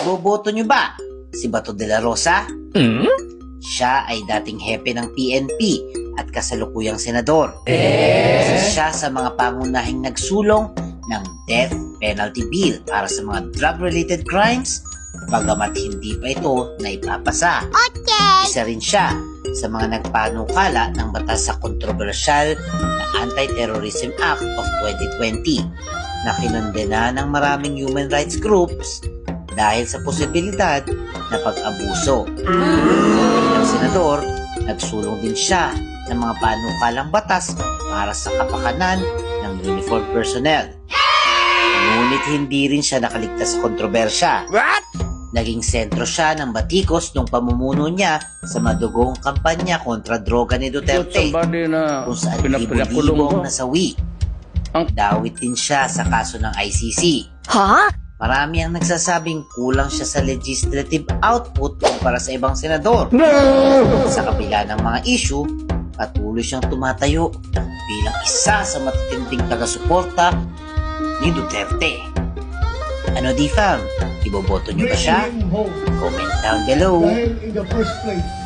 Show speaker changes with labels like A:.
A: Boboto nyo ba si Bato de la Rosa? Siya ay dating hepe ng PNP at kasalukuyang senador. Isa siya sa mga pangunahing nagsulong ng death penalty bill para sa mga drug-related crimes, bagamat hindi pa ito naipapasa. Isa rin siya sa mga nagpanukala ng batas sa kontrobersyal na Anti-Terrorism Act of 2020 na kinondena ng maraming human rights groups dahil sa posibilidad na pag-abuso. Bilang senador, nagsulong din siya ng mga panukalang batas para sa kapakanan ng uniformed personnel. Ngunit hindi rin siya nakaligtas sa kontrobersya. Naging sentro siya ng batikos nung pamumuno niya sa madugong kampanya kontra droga ni Duterte, kung saan libo-libo ang nasawi. Dawit din siya sa kaso ng ICC. Marami ang nagsasabing kulang siya sa legislative output kumpara sa ibang senador. Sa kabila ng mga issue, patuloy siyang tumatayo bilang isa sa matitinding taga-suporta ni Duterte. Ano di fam? Iboboto niyo ba siya? Comment down below.
B: Dahil in the first place,